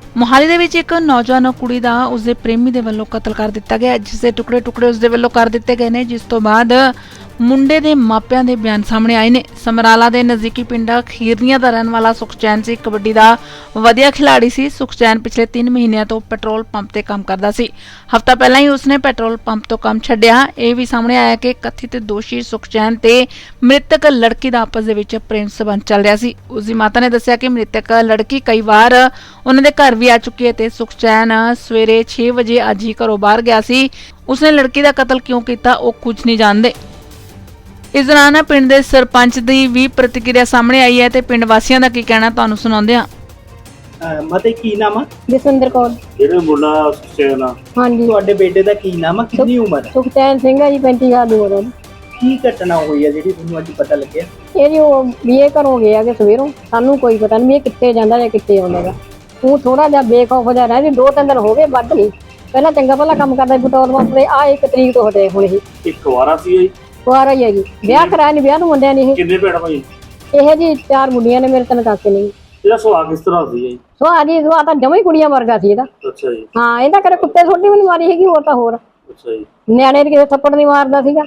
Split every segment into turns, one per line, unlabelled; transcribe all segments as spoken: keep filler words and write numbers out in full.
मोहाली दे विच एक नौजवान कुड़ी दा उसदे प्रेमी दे वल्लों कतल कर दिता गया, जिस दे टुकड़े टुकड़े उसदे वल्लों कर दिते गए ने, जिस तो बाद मुंडे दे मापियां दे बयान सामने आए ने। समराला दे नज़दीकी पिंड खीरनिया दा रहन वाला सुखचैन सी कबड्डी दा वधिया खिलाड़ी सी। सुखचैन पिछले तीन महीनों तो पेट्रोल पंप ते काम करदा सी। हफ्ता पहला ही उसने पेट्रोल पंप तो काम छड्डिया। यह भी सामने आया कि कथित दोषी सुखचैन ते मृतक लड़की दा आपस दे विच प्रेम संबंध चल रहा सी। उसदी माता ने दस्सिया कि मृतक लड़की कई बार उन्हां दे घर भी आ चुकी है ते सुखचैन सवेरे छे बजे अज ही घरों बाहर गया सी। उसने लड़की दा कतल क्यों किया वो कुछ नहीं जानते। इस दौरान पिंड दे सरपंच दी भी प्रतिक्रिया सामने आई है ते पिंड वासियों का की कहना तुहानूं सुणाउंदे हां।
मते की नाम है?
जसविंदर कौर।
जेड़े मुंडा सुखचैन आ,
हाँ जी।
तुहाडे बेटे दा की नाम है? कितनी उम्र है?
सुखचैन सिंह है जी, पैंती साल ਦੀ ਉਮਰ ਹੈ।
ਕੀ ਘਟਨਾ ਹੋਈ ਹੈ ਜਿਹੜੀ ਤੁਹਾਨੂੰ ਅੱਜ ਪਤਾ ਲੱਗਿਆ?
ਇਹ ਜੀ ਉਹ ਬੀਏ ਘਰੋਂ ਗਿਆ ਕਿ ਸਵੇਰੋਂ ਸਾਨੂੰ ਕੋਈ ਪਤਾ ਨਹੀਂ ਇਹ ਕਿੱਥੇ ਜਾਂਦਾ ਜਾਂ ਕਿੱਥੇ ਆਉਂਦਾ ਗਾ। ਉਹ ਥੋੜਾ ਜਿਹਾ ਬੇਖੌਫ ਜਿਹਾ ਰਹਿ ਜੀ, ਦੋ ਤਿੰਨ ਦਿਨ ਹੋ ਗਏ ਵੱਧ ਨਹੀਂ। ਪਹਿਲਾਂ ਚੰਗਾ ਭਲਾ ਕੰਮ ਕਰਦਾ ਸੀ ਪੈਟਰੋਲ ਪੰਪ ਤੇ, ਆ ਇੱਕ ਤਰੀਕ ਤੋਂ ਹਟੇ ਹੁਣ ਇਹ।
ਇੱਕ ਵਾਰਾ ਸੀ ਇਹ?
ਕੁਆਰਾ ਹੀ ਹੈ ਜੀ, ਵਿਆਹ ਕਰਾਇਆ ਨਹੀਂ, ਵਿਆਹ ਨੂੰ ਮੁੰਡਿਆਂ ਨੇ ਇਹ।
ਕਿੰਨੇ ਭੈਣ ਭਾਈ?
ਇਹ ਜੀ ਚਾਰ ਮੁੰਡੀਆਂ ਨੇ, ਮੇਰੇ ਤਿੰਨ ਕਾਕੇ ਨੇ।
ਇਹਦਾ ਸੁਭਾਅ ਕਿਸ ਤਰ੍ਹਾਂ ਸੀ ਜੀ?
ਸੁਭਾਅ ਜੀ ਸੁਭਾਅ ਤਾਂ ਜਮਾਂ ਹੀ ਕੁੜੀਆਂ ਵਰਗਾ ਸੀ ਇਹਦਾ।
ਅੱਛਾ ਜੀ।
ਹਾਂ, ਇਹਦਾ ਕਦੇ ਕੁੱਤੇ ਛੋਟੀ ਵੀ ਨਹੀਂ ਮਾਰੀ ਹੈਗੀ, ਹੋਰ ਤਾਂ ਹੋਰ।
ਅੱਛਾ ਜੀ।
ਨਿਆਣੇ ਦੇ ਕਿਸੇ ਥੱਪੜ ਨਹੀਂ ਮਾਰਦਾ ਸੀਗਾ।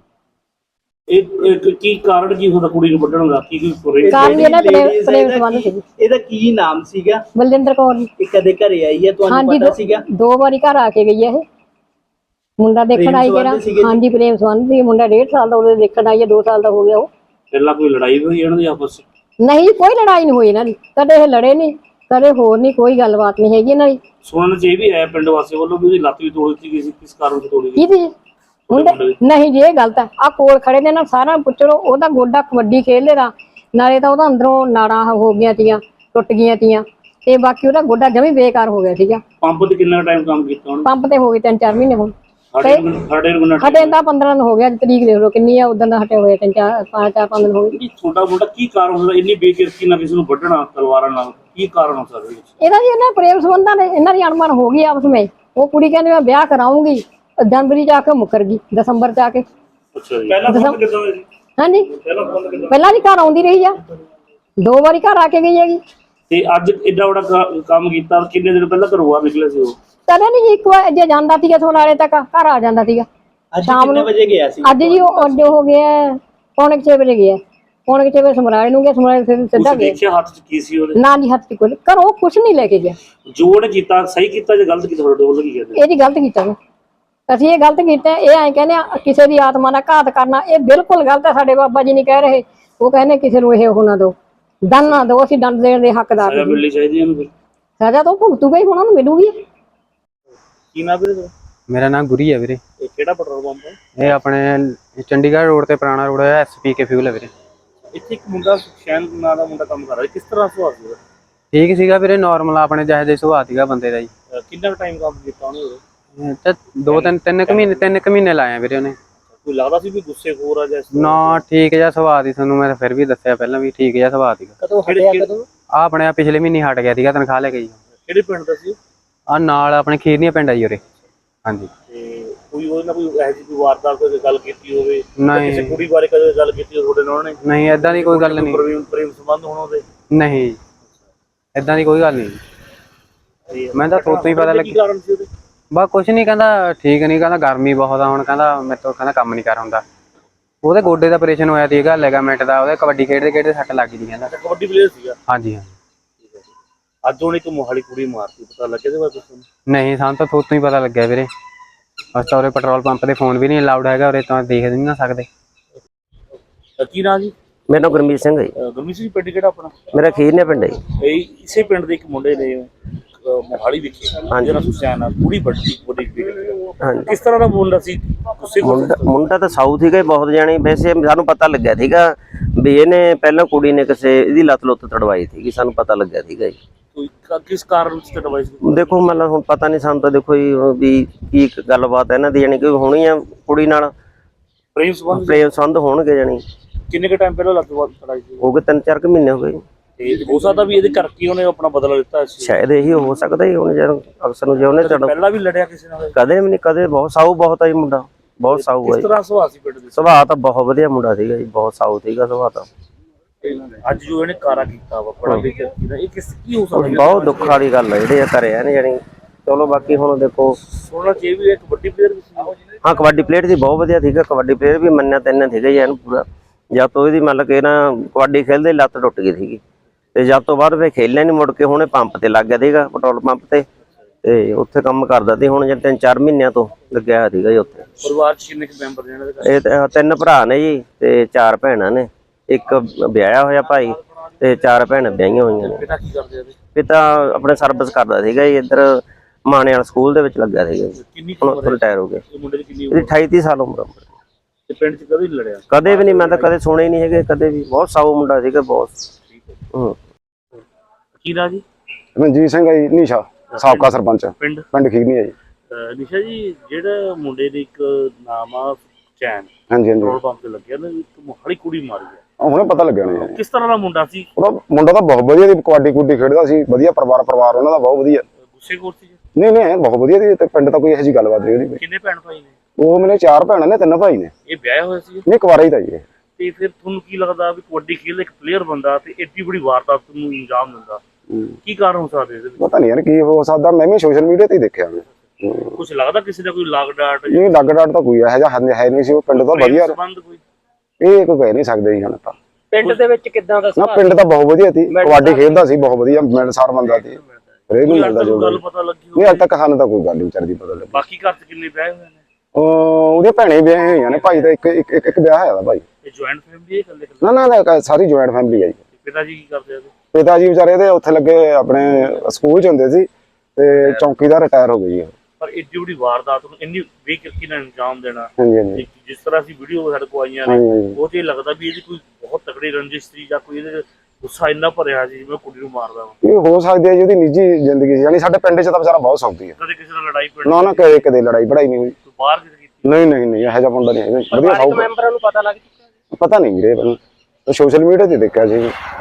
ਇਹ ਇੱਕ ਕੀ ਕਾਰਨ ਕੀ ਹੁੰਦਾ ਕੁੜੀ ਨੂੰ ਵੱਢਣ ਦਾ? ਕੀ ਕੋਈ
ਕਾਰਨ ਵੀ ਇਹਨਾਂ ਪ੍ਰੇਮ ਪ੍ਰੇਮ ਸੰਬੰਧ ਸੀ।
ਇਹਦਾ ਕੀ ਨਾਮ ਸੀਗਾ?
ਬਲਜਿੰਦਰ ਕੌਰ ਜੀ।
ਇਹ ਕਦੇ ਘਰੇ ਆਈ ਹੈ ਤੁਹਾਨੂੰ ਪਤਾ ਸੀਗਾ?
ਦੋ ਵਾਰੀ ਘਰ ਆ ਕੇ ਗਈ ਹੈ ਇਹ। ਮੁੰਡਾ ਦੇਖਣ ਆਈ ਜਿਹੜਾ, ਹਾਂਜੀ ਪ੍ਰੇਮ ਸੰਬੰਧ ਸੀ। ਮੁੰਡਾ ਡੇਢ ਸਾਲ ਦਾ ਉਹਦੇ ਦੇਖਣ ਆਈ ਹੈ, ਦੋ ਸਾਲ ਦਾ ਹੋ ਗਿਆ ਉਹ।
ਪਹਿਲਾਂ ਕੋਈ ਲੜਾਈ ਹੋਈ ਇਹਨਾਂ ਦੀ ਆਪਸ ਵਿੱਚ?
ਨਹੀਂ, ਕੋਈ ਲੜਾਈ ਨਹੀਂ ਹੋਈ ਇਹਨਾਂ ਦੀ, ਕਦੇ ਇਹ ਲੜੇ ਨਹੀਂ, ਕਦੇ ਹੋਰ ਨਹੀਂ, ਕੋਈ ਗੱਲਬਾਤ ਨਹੀਂ ਹੈਗੀ ਇਹਨਾਂ ਦੀ।
ਸੁਣਨ ਚ ਇਹ ਵੀ ਹੈ ਪਿੰਡ ਵਾਸੀ ਵੱਲੋਂ ਵੀ ਉਹਦੀ ਲੱਤ ਵੀ ਤੋੜ ਦਿੱਤੀ ਗਈ ਸੀ, ਕਿਸ ਕਾਰਨ ਤੋਂ ਤੋੜੀ ਗਈ?
ਕਿਹਦੀ? ਮੁੰਡੇ ਨਹੀਂ ਜੀ, ਇਹ ਗਲਤ ਹੈ। ਆ ਕੋਲ ਖੜੇ ਨੇ ਨਾ, ਸਾਰਾ ਪੁੱਛੋ। ਉਹਦਾ ਗੋਡਾ ਕਬੱਡੀ ਖੇਡਦੇ ਦਾ, ਨਾਲੇ ਤਾਂ ਉਹਦਾ ਅੰਦਰੋਂ ਨਾੜਾਂ ਹੋ ਗਈਆਂ ਤੀਆਂ, ਟੁੱਟ ਗਈਆਂ ਤੀਆਂ, ਤੇ ਬਾਕੀ ਉਹਦਾ ਗੋਡਾ ਜਮੀ ਬੇਕਾਰ ਹੋ ਗਿਆ ਸੀਗਾ।
ਪੰਪ ਤੇ ਕਿੰਨਾ ਟਾਈਮ ਕੰਮ ਕੀਤਾ ਉਹਨੇ?
ਪੰਪ ਤੇ ਹੋ ਗਏ ਤਿੰਨ ਚਾਰ ਮਹੀਨੇ ਹੁਣ।
ਸਾਡੇ ਨੂੰ
ਹਟੇ ਤਾਂ ਪੰਦਰਾਂ ਦਿਨ ਹੋ ਗਿਆ, ਤਰੀਕ ਦੇਖ ਲਓ ਕਿੰਨੀ ਆ, ਉਦੋਂ ਦਾ ਹਟੇ ਹੋਏ ਤਿੰਨ ਚਾਰ ਪੰਜ ਚਾਰ ਪੰਜ ਦਿਨ ਹੋ ਗਏ।
ਛੋਟਾ ਮੋਟਾ ਕੀ ਕਾਰਨ ਹੁੰਦਾ ਇੰਨੀ ਬੇਕਿਰਕੀ ਨਾਲ ਕਿਸੇ ਨੂੰ ਵੱਢਣਾ ਤਲਵਾਰਾਂ ਨਾਲ? ਕੀ ਕਾਰਨ ਹੋ ਸਕਦਾ
ਇਹਦਾ ਜੀ? ਇਹਨਾਂ ਪ੍ਰੇਮ ਸੰਬੰਧਾਂ ਨੇ, ਇਹਨਾਂ ਦੀ ਅਣਮਨ ਹੋ ਗਈ ਆਪਸ ਵਿੱਚ। ਉਹ ਕੁੜੀ ਕਹਿੰਦੀ ਮੈਂ ਵਿਆਹ ਕਰਾਉਂਗੀ, ਜਨਵਰੀ ਚ ਆ ਕੇ ਮੁੱਕਰ ਗਈ, ਦਸੰਬਰ ਚ ਆ ਕੇ।
ਅੱਛਾ ਜੀ। ਪਹਿਲਾਂ ਫੋਨ ਕਿੱਦਾਂ ਹੋਇਆ ਜੀ?
ਹਾਂਜੀ,
ਪਹਿਲਾਂ ਫੋਨ ਕਿੱਦਾਂ?
ਪਹਿਲਾਂ ਵੀ ਘਰ ਆਉਂਦੀ ਰਹੀ ਆ, ਦੋ ਵਾਰੀ ਘਰ ਆ ਕੇ ਗਈ ਹੈਗੀ।
ਤੇ ਅੱਜ ਏਡਾ ਵੱਡਾ ਕੰਮ ਕੀਤਾ, ਕਿੰਨੇ ਦਿਨ ਪਹਿਲਾਂ ਘਰੋਂ ਬਾਹਰ ਨਿਕਲੇ ਸੀ ਉਹ?
ਕਦੇ ਨਹੀਂ, ਇੱਕ ਵਾਰ ਜੇ ਜਾਂਦਾ ਸੀਗਾ ਸੋਨਾਲੇ ਤੱਕ ਘਰ ਆ ਜਾਂਦਾ ਸੀਗਾ।
ਸ਼ਾਮ ਨੂੰ ਵਜੇ ਗਿਆ ਸੀ?
ਅੱਜ ਜੀ ਉਹ ਅੱਜ ਹੋ ਗਿਆ ਪੌਣੇ ਛੇ ਵਜੇ ਗਿਆ, ਪੌਣੇ ਛੇ ਵਜੇ ਸਮਰਾਲੇ ਨੂੰ ਗਿਆ, ਸਮਰਾਲੇ ਫਿਰ ਸਿੱਧਾ ਗਿਆ।
ਦੇਖਿਆ ਹੱਥ ਚ ਕੀ ਸੀ ਉਹਦੇ?
ਨਾ ਜੀ, ਹੱਥ ਚ ਕੁਝ ਘਰੋਂ ਕੁਝ ਨਹੀਂ ਲੈ ਕੇ ਗਿਆ।
ਜੋ ਉਹਨੇ ਕੀਤਾ ਸਹੀ ਕੀਤਾ ਜਾਂ ਗਲਤ ਕੀਤਾ? ਤੁਹਾਡੇ ਵੱਲੋਂ ਕੀ ਕਹਿੰਦੇ?
ਇਹ ਜੀ ਗਲਤ ਕੀਤਾ ਵਾ। ਅਸੀਂ ਇਹ ਗਲਤ ਕੀਤਾ। ਇਹ ਐਂ ਕਹਿੰਦੇ ਆ ਕਿਸੇ ਦੀ ਆਤਮਾ ਦਾ ਘਾਤ ਕਰਨਾ, ਇਹ ਬਿਲਕੁਲ ਗਲਤ ਹੈ। ਸਾਡੇ ਬਾਬਾ ਜੀ ਨਹੀਂ ਕਹਿ ਰਹੇ, ਉਹ ਕਹਿੰਦੇ ਕਿਸੇ ਨੂੰ ਇਹ ਉਹ ਨਾ ਦਿਓ, ਦੰਡ ਨਾ ਦਿਓ, ਅਸੀਂ ਦੰਡ ਦੇਣ ਦੇ ਹੱਕਦਾਰ
ਸਜ਼ਾ ਮਿਲਣੀ ਚਾਹੀਦੀ ਇਹਨੂੰ ਫਿਰ।
ਸਜ਼ਾ ਤਾਂ ਭੁਗਤੂਗਾ ਹੀ, ਉਹਨਾਂ ਨੂੰ ਮਿਲੂਗੀ।
ਕੀ ਨਾਮ ਵੀਰੇ?
ਮੇਰਾ ਨਾਮ ਗੁਰੀ ਹੈ ਵੀਰੇ।
ਇਹ ਕਿਹੜਾ ਪੈਟਰੋਲ ਪੰਪ ਹੈ?
ਇਹ ਆਪਣੇ ਚੰਡੀਗੜ੍ਹ ਰੋਡ ਤੇ ਪੁਰਾਣਾ ਰੋਡ ਹੈ, ਐਸਪੀ ਕੇ ਫਿਊਲ ਹੈ ਵੀਰੇ।
ਇੱਥੇ ਇੱਕ ਮੁੰਡਾ ਸੁਖਚੈਨ ਨਾਂ ਦਾ ਮੁੰਡਾ ਕੰਮ ਕਰ ਰਿਹਾ, ਕਿਸ ਤਰ੍ਹਾਂ ਸੁਭਾਅ ਸੀ?
ਠੀਕ ਸੀਗਾ ਵੀਰੇ, ਨਾਰਮਲ ਆਪਣੇ ਜਿਹੇ ਜਿਹੇ ਸੁਭਾਅ ਸੀਗਾ ਬੰਦੇ ਦਾ ਜੀ।
ਕਿੰਨਾ ਟਾਈਮ ਕੰਮ ਕੀਤਾ ਉਹਨੇ?
ਤੇ ਦੋ ਤਿੰਨ ਤਿੰਨ ਕੁ ਮਹੀਨੇ ਤਿੰਨ ਕੁ ਮਹੀਨੇ ਲਾਏ ਆ ਵੀਰੇ ਉਹਨੇ।
ਕੋਈ ਲੱਗਦਾ ਸੀ ਵੀ ਗੁੱਸੇ ਖੋਰ ਆ ਜਾਂ?
ਨਾ, ਠੀਕ ਜਿਹਾ ਸੁਭਾਅ ਦੀ, ਤੁਹਾਨੂੰ ਮੈਂ ਫਿਰ ਵੀ ਦੱਸਿਆ ਪਹਿਲਾਂ ਵੀ ਠੀਕ ਜਿਹਾ ਸੁਭਾਅ ਸੀਗਾ।
ਕਦੋਂ ਹਟਿਆ? ਕਦੋਂ?
ਆ ਆਪਣੇ ਪਿਛਲੇ ਮਹੀਨੇ ਹਟ ਗਿਆ ਸੀਗਾ, ਤਨਖਾਹ ਲੈ ਕੇ ਜੀ।
ਕਿਹੜੇ ਪਿੰਡ ਦਾ ਸੀ?
ਆ ਨਾਲ ਆਪਣੇ ਖੀਰਨੀਆ ਪਿੰਡ ਆ ਜੀ ਉਰੇ। ਹਾਂਜੀ।
ਤੇ ਕੋਈ ਉਹਦੇ ਨਾਲ ਕੋਈ ਇਹੋ ਜਿਹੀ ਕੋਈ ਵਾਰਦਾਤ ਕੋਈ ਗੱਲ ਕੀਤੀ ਹੋਵੇ?
ਨਹੀਂ।
ਕਿਸੇ ਕੁੜੀ ਬਾਰੇ ਕਦੇ ਗੱਲ ਕੀਤੀ ਹੋਵੇ ਤੁਹਾਡੇ ਨਾਲ ਉਹਨੇ?
ਨਹੀਂ, ਏਦਾਂ ਦੀ ਕੋਈ ਗੱਲ ਨਹੀਂ।
ਪ੍ਰੇਮ ਪ੍ਰੇਮ ਸੰਬੰਧ ਹੋਣ ਉਹਦੇ?
ਨਹੀਂ, ਏਦਾਂ ਦੀ ਕੋਈ ਗੱਲ ਨਹੀਂ। ਮੈਂ ਤਾਂ ਥੋਤੋਂ ਹੀ ਪਤਾ ਲੱਗਿਆ।
ਕੀ ਕਾਰਨ ਸੀ ਉਹਦੇ?
ਬਸ ਕੁਛ ਨਹੀਂ, ਕਹਿੰਦਾ ਠੀਕ ਨਹੀਂ, ਕਹਿੰਦਾ ਗਰਮੀ ਬਹੁਤ ਆ ਹੁਣ, ਕਹਿੰਦਾ ਮੇਰੇ ਤੋਂ ਕਹਿੰਦਾ ਕੰਮ ਨਹੀਂ ਕਰ ਹੁੰਦਾ। ਉਹਦੇ ਗੋਡੇ ਦਾ ਆਪਰੇਸ਼ਨ ਹੋਇਆ ਸੀਗਾ, ਲਿਗਾਮੈਂਟ ਦਾ, ਉਹਦੇ ਕਬੱਡੀ ਖੇਡਦੇ ਖੇਡਦੇ ਸੱਟ ਲੱਗ ਗਈ ਕਹਿੰਦਾ।
ਕਬੱਡੀ ਪਲੇਅਰ ਸੀਗਾ?
ਹਾਂਜੀ ਹਾਂ।
ਅੱਜ ਉਹਨੇ ਇੱਕ ਮੋਹਾਲੀ ਕੁੜੀ ਮਾਰਤੀ, ਪਤਾ ਲੱਗਿਆ ਇਹਦੇ ਬਾਰੇ ਤੁਹਾਨੂੰ?
ਨਹੀਂ, ਸਾਨੂੰ ਤਾਂ ਥੋਤੋਂ ਹੀ ਪਤਾ ਲੱਗਿਆ ਵੀਰੇ। ਅਸੀਂ ਤਾਂ ਉਰੇ ਪੈਟਰੋਲ ਪੰਪ ਤੇ ਫੋਨ ਵੀ ਨਹੀਂ ਅਲਾਉਡ ਹੈਗਾ ਉਰੇ, ਤਾਂ ਦੇਖ ਨਹੀਂ ਨਾ ਸਕਦੇ।
ਕੀ ਨਾਂ ਜੀ?
ਮੇਰਾ ਨਾਮ ਗੁਰਮੀਤ ਸਿੰਘ ਹੈ ਜੀ।
ਗੁਰਮੀਤ ਸਿੰਘ ਪਿੰਡ ਕਿਹੜਾ ਆਪਣਾ?
ਮੇਰਾ ਖੀਰਨੀਆ ਪਿੰਡ ਹੈ ਜੀ।
ਇਹ ਇਸੇ ਪਿੰਡ ਦੇ ਇੱਕ ਮੁੰਡੇ ਨੇ ਮੋਹਾਲੀ ਵਿਖੇ ਜਿਹੜਾ ਸੁਖਚੈਨ ਆ ਕੁੜੀ ਵੱਡੀ ਕੁੜੀ
ਹਾਂਜੀ।
ਕਿਸ ਤਰ੍ਹਾਂ ਦਾ ਮੁੰਡਾ ਸੀ? ਗੁੱਸੇ
ਮੁੰਡਾ ਮੁੰਡਾ ਤਾਂ ਸਾਊਥ ਸੀਗਾ ਬਹੁਤ ਜਾਣੀ। ਵੈਸੇ ਸਾਨੂੰ ਪਤਾ ਲੱਗਿਆ ਸੀਗਾ ਵੀ ਇਹਨੇ ਪਹਿਲਾਂ ਕੁੜੀ ਨੇ ਕਿਸੇ ਇਹਦੀ ਲੱਤ ਲੁੱਤ ਤੜਵਾਈ ਸੀਗੀ, ਸਾਨੂੰ ਪਤਾ ਲੱਗਿਆ ਸੀਗਾ ਜੀ।
ਕੋਈ ਕਿਸ ਕਾਰਨ ਵਿੱਚ ਤੜਵਾਈ ਸੀ?
ਦੇਖੋ ਮਤਲਬ ਹੁਣ ਪਤਾ ਨਹੀਂ ਸਾਨੂੰ ਤਾਂ, ਦੇਖੋ ਜੀ ਵੀ ਕੀ ਗੱਲਬਾਤ ਹੈ ਇਹਨਾਂ ਦੀ, ਜਾਣੀ ਕਿ ਹੋਣੀ ਆ ਕੁੜੀ ਨਾਲ
ਪ੍ਰੇਮ ਸੰਬੰਧ
ਪ੍ਰੇਮ ਸੰਬੰਧ ਹੋਣਗੇ। ਜਾਣੀ
ਕਿੰਨੇ ਕ ਟਾਈਮ ਪਹਿਲਾਂ ਲੱਤ ਤੜਾਈ ਸੀ?
ਹੋ ਗਏ ਤਿੰਨ ਚਾਰ ਕੁ ਮਹੀਨੇ ਹੋ ਗਏ।
ਤੇ ਹੋ ਸਕਦਾ ਵੀ ਇਹਦੇ ਕਰਕੇ ਉਹਨੇ ਆਪਣਾ ਬਦਲਾ ਲਿੱਤਾ ਸੀ।
ਸ਼ਾਇਦ ਇਹੀ ਹੋ ਸਕਦਾ ਜੀ। ਹੁਣ ਜਦੋਂ ਅਕਸਰ ਨੂੰ ਜੇ ਉਹਨੇ ਤੜ
ਪਹਿਲਾਂ ਵੀ ਲੜਿਆ ਕਿਸੇ ਨਾਲ?
ਕਦੇ ਵੀ ਨਹੀਂ, ਕਦੇ। ਬਹੁਤ ਸਾਊ ਬਹੁਤ ਆ ਜੀ ਮੁੰਡਾ, ਬਹੁਤ ਸਾਊ ਆ
ਕਿਸ
ਜੀ।
ਤਰ੍ਹਾਂ ਸੁਭਾਅ ਸੀ ਪਿੰਡ ਦੇ?
ਸੁਭਾਅ ਤਾਂ ਬਹੁਤ ਵਧੀਆ ਮੁੰਡਾ ਸੀਗਾ ਜੀ, ਬਹੁਤ ਸਾਊ ਸੀਗਾ ਸੁਭਾਅ ਤਾਂ।
ਅੱਜ ਜੋ ਇਹਨੇ ਕਾਰਾ ਕੀਤਾ ਵਾ ਬੜਾ ਬੇਇੱਜ਼ਤੀ ਦਾ, ਇਹ ਕਿਸ ਕੀ ਹੋ ਸਕਦਾ?
ਬਹੁਤ ਦੁੱਖ ਵਾਲੀ ਗੱਲ ਹੈ ਜਿਹੜੇ ਕਰਿਆ ਨੇ ਜਾਣੀ। ਚਲੋ ਬਾਕੀ ਹੁਣ ਦੇਖੋ
ਸੋਨਾ ਚੇ ਵੀ ਇੱਕ ਵੱਡੀ ਪਲੇਅਰ ਵੀ ਸੀ।
ਹਾਂ ਕਬੱਡੀ ਪਲੇਅਰ ਸੀ, ਬਹੁਤ ਵਧੀਆ ਸੀਗਾ ਕਬੱਡੀ ਪਲੇਅਰ ਵੀ, ਮੰਨਿਆ ਤੈਨਾਂ ਸੀਗਾ ਜੀ ਇਹਨੂੰ ਪੂਰਾ। ਜਦ ਤੋਂ ਇਹਦੀ ਮਤਲਬ ਕਿ ਨਾ ਕਬੱਡੀ ਖੇਲਦੇ ਲੱਤ ਟੁੱਟ ਗਈ ਸੀਗੀ ਤੇ ਜਦ ਤੋਂ ਬਾਅਦ ਫਿਰ ਖੇਲਿਆ ਨਹੀਂ ਮੁੜ ਕੇ। ਹੁਣ ਇਹ ਪੰਪ ਤੇ ਲੱਗ ਗਿਆ ਸੀਗਾ, ਪੈਟਰੋਲ ਪੰਪ ਤੇ, ਤੇ ਉੱਥੇ ਕੰਮ ਕਰਦਾ ਸੀ। ਹੁਣ ਜੇ ਤਿੰਨ ਚਾਰ ਮਹੀਨਿਆਂ ਤੋਂ ਲੱਗਿਆ ਹੋਇਆ ਸੀਗਾ ਜੀ ਉੱਥੇ।
ਪਰਿਵਾਰ ਚ ਕਿੰਨੇ ਕੁ ਮੈਂਬਰ ਨੇ ਇਹਨਾਂ ਦੇ ਘਰ?
ਇਹ ਤੇ ਤਿੰਨ ਭਰਾ ਨੇ ਜੀ ਤੇ ਚਾਰ ਭੈਣਾਂ ਨੇ, ਇੱਕ ਵਿਆਹਿਆ ਹੋਇਆ ਭਾਈ ਤੇ ਚਾਰ ਭੈਣਾਂ ਵਿਆਹੀਆਂ ਹੋਈਆਂ ਨੇ।
ਪਿਤਾ ਕੀ ਕਰਦੇ ਆ?
ਪਿਤਾ ਆਪਣੇ ਸਰਵਿਸ ਕਰਦਾ ਸੀਗਾ ਜੀ, ਇੱਧਰ ਮਾਣੇ ਵਾਲਾ ਸਕੂਲ ਦੇ ਵਿੱਚ ਲੱਗਾ ਸੀਗਾ ਜੀ।
ਕਿੰਨੀ
ਹੁਣ ਰਿਟਾਇਰ ਹੋ ਗਏ।
ਇਹ ਮੁੰਡੇ ਦੀ ਕਿੰਨੀ
ਇਹਦੀ ਅਠਾਈ ਤੀਹ ਸਾਲ ਉਮਰ।
ਤੇ ਪਿੰਡ ਚ ਕਦੇ ਨਹੀਂ ਲੜਿਆ?
ਕਦੇ ਵੀ ਨਹੀਂ, ਮੈਂ ਤਾਂ ਕਦੇ ਸੁਣੇ ਹੀ ਨਹੀਂ ਹੈਗੇ ਕਦੇ ਵੀ। ਬਹੁਤ ਸਾਊ ਮੁੰਡਾ ਸੀਗਾ ਬਹੁਤ। ਹੂੰ।
ਕੀ ਨਾਂ ਜੀ?
ਮਨਜੀਤ ਸਿੰਘ ਹੈ ਜੀ, ਨੀਸ਼ਾ ਸਾਬਕਾ ਸਰਪੰਚ
ਪਿੰਡ
ਪਿੰਡ ਖੀਰਨੀ ਹੈ ਜੀ।
ਅਹ ਨਿਸ਼ਾ ਜੀ, ਜਿਹੜਾ ਮੁੰਡੇ ਦੇ ਇੱਕ ਨਾਮ ਆ ਚੈਨ,
ਹਾਂਜੀ ਹਾਂਜੀ,
ਪੈਟਰੋਲ ਪੰਪ ਤੇ ਲੱਗਿਆ ਨਾ, ਇੱਕ ਮੋਹਾਲੀ ਕੁੜੀ ਮਾਰੀ ਹੈ,
ਉਹ ਹੁਣੇ ਪਤਾ ਲੱਗਿਆ ਨੇ ਜੀ।
ਕਿਸ ਤਰ੍ਹਾਂ ਦਾ ਮੁੰਡਾ ਸੀ?
ਉਹਦਾ ਮੁੰਡਾ ਤਾਂ ਬਹੁਤ ਵਧੀਆ ਸੀ, ਕਬੱਡੀ ਕੁੱਡੀ ਖੇਡਦਾ ਸੀ, ਵਧੀਆ ਪਰਿਵਾਰ ਪਰਿਵਾਰ ਉਹਨਾਂ ਦਾ ਬਹੁਤ ਵਧੀਆ।
ਗੁੱਸੇ ਖੋਰ ਸੀ?
ਨਹੀਂ ਨਹੀਂ ਬਹੁਤ ਵਧੀਆ ਸੀ ਤੇ ਪਿੰਡ ਤਾਂ ਕੋਈ ਇਹੋ ਜਿਹੀ ਗੱਲਬਾਤ ਨਹੀਂ ਉਹਦੀ।
ਕਿੰਨੇ ਭੈਣ ਭਾਈ ਨੇ?
ਉਹ ਮੇਰੇ ਚਾਰ ਭੈਣਾਂ ਨੇ, ਤਿੰਨ ਭਾਈ ਨੇ।
ਇਹ ਵਿਆਹਿਆ ਹੋਇਆ ਸੀ?
ਨਹੀਂ ਕੁਆਰਾ ਹੀ ਤਾਂ ਜੀ ਇਹ।
ਤੇ ਫਿਰ ਤੁਹਾਨੂੰ ਕੀ ਲੱਗਦਾ ਵੀ ਕਬੱਡੀ ਖੇਡ ਇੱਕ ਪਲੇਅਰ ਬੰਦਾ ਤੇ ਏਡੀ ਬੜੀ ਵਾਰਦਾਤ ਨੂੰ ਅੰਜਾਮ ਦਿੰਦਾ, ਕੀ ਕਾਰਨ ਹੋ ਸਕਦੇ ਇਹਦੇ ਵਿੱਚ?
ਪਤਾ ਨਹੀਂ ਯਾਰ ਕੀ ਹੋ ਸਕਦਾ, ਮੈਂ ਵੀ ਸੋਸ਼ਲ ਮੀਡੀਆ ਤੇ ਹੀ ਦੇਖਿਆ ਮੈਂ।
ਕੁਝ ਲੱਗਦਾ ਕਿਸੇ ਦਾ ਕੋਈ ਲਾਗ ਡਾਟ
ਇਹ ਲੱਗ ਡਾਟ ਤਾਂ ਕੋਈ ਇਹੋ ਜਿਹਾ ਹੈ ਨਹੀਂ ਸੀ, ਉਹ ਪਿੰਡ ਤਾਂ ਵਧੀਆ।
ਸੰਬੰਧ ਕੋਈ?
ਇਹ ਕੋਈ ਕਹਿ ਨਹੀਂ ਸਕਦੇ ਜੀ ਹੁਣ ਤਾਂ।
ਪਿੰਡ ਦੇ ਵਿੱਚ ਕਿੱਦਾਂ ਦਾ
ਨਾ ਪਿੰਡ ਤਾਂ ਬਹੁਤ ਵਧੀਆ ਸੀ, ਕਬੱਡੀ ਖੇਡਦਾ ਸੀ ਬਹੁਤ ਵਧੀਆ, ਮਿਲਣਸਾਰ ਬੰਦਾ ਸੀ। ਹਰੇਕ ਨੂੰ ਮਿਲਦਾ ਜੋ
ਗੱਲ ਪਤਾ ਲੱਗੀ
ਨਹੀਂ ਅੱਜ ਤੱਕ ਸਾਨੂੰ ਤਾਂ ਕੋਈ ਗੱਲ ਨਹੀਂ ਵਿਚਾਰਦੀ ਪਤਾ ਲੱਗੀ।
ਬਾਕੀ ਘਰ ਚ ਕਿੰਨੇ ਵਿਆਹ ਹੋਏ ਨੇ?
ਉਹ ਉਹਦੇ ਭੈਣੇ ਵਿਆਹੇ ਹੋਈਆਂ ਨੇ, ਭਾਈ ਦਾ ਇੱਕ ਇੱਕ ਇੱਕ ਵਿਆਹ ਹੋਇਆ ਦਾ ਭਾਈ।
ਇਹ ਜੁਆਇੰਟ ਫੈਮਿਲੀ ਹੈ ਇਕੱਲੇ ਇਕੱਲੇ?
ਨਾ ਨਾ ਨਾ ਸਾਰੀ ਜੁਆਇੰਟ ਫੈਮਿਲੀ ਹੈ ਜੀ।
ਪਿਤਾ ਜੀ ਕੀ ਕਰਦੇ ਆ?
ਪਿਤਾ ਜੀ ਵਿਚਾਰੇ ਦੇ ਉੱਥੇ ਲੱਗੇ ਆਪਣੇ ਸਕੂਲ ਚ ਹੁੰਦੇ ਸੀ ਤੇ ਚੌਕੀਦਾਰ ਰਿਟਾਇਰ ਹੋ ਗਏ ਜੀ।
ਪਰ ਏਡੀ ਬੜੀ ਵਾਰਦਾਤ ਨੂੰ ਇੰਨੀ ਬੇਕਿਰਕੀ ਨਾਲ ਅੰਜਾਮ ਦੇਣਾ,
ਹਾਂਜੀ ਹਾਂਜੀ
ਜਿਸ ਤਰ੍ਹਾਂ ਅਸੀਂ ਵੀਡੀਓ ਸਾਡੇ ਕੋਲ ਆਈਆਂ ਨੇ, ਉਹ ਤੇ ਲੱਗਦਾ ਵੀ ਇਹਦੀ ਕੋਈ ਬਹੁਤ ਤਕੜੀ ਰੰਜਿਸ਼ ਸੀ ਜਾਂ ਕੋਈ ਇਹਦੇ ਗੁੱਸਾ ਇੰਨਾ ਭਰਿਆ ਸੀ ਜਿਵੇਂ ਕੁੜੀ ਨੂੰ ਮਾਰਦਾ ਵਾ।
ਇਹ ਹੋ ਸਕਦੀ ਹੈ ਜੀ, ਉਹਦੀ ਨਿੱਜੀ ਜ਼ਿੰਦਗੀ ਸੀ। ਯਾਨੀ ਸਾਡੇ ਪਿੰਡ ਚ ਤਾਂ ਵਿਚਾਰਾ ਬਹੁਤ ਸੌਖੀ ਹੈ।
ਕਦੇ ਕਿਸੇ ਨਾਲ ਲੜਾਈ ਪਿੰਡ
ਨਾ ਨਾ ਕਦੇ ਕਦੇ ਲੜਾਈ ਪੜਾਈ ਨਹੀਂ ਹੋਈ।
ਬਾਹਰ ਕਿਤੇ ਕੀਤੀ?
ਨਹੀਂ ਨਹੀਂ ਨਹੀਂ ਇਹੋ ਜਿਹਾ ਮੁੰਡਾ ਨਹੀਂ ਹੈਗਾ, ਵਧੀਆ ਸੌਖਾ।
ਮੈਂਬਰਾਂ ਨੂੰ ਪਤਾ ਲੱਗ ਚੁੱਕਾ?
ਪਤਾ ਨਹੀਂ ਵੀਰੇ, ਸੋਸ਼ਲ ਮੀਡੀਆ ਤੇ ਦੇਖਿਆ ਸੀ।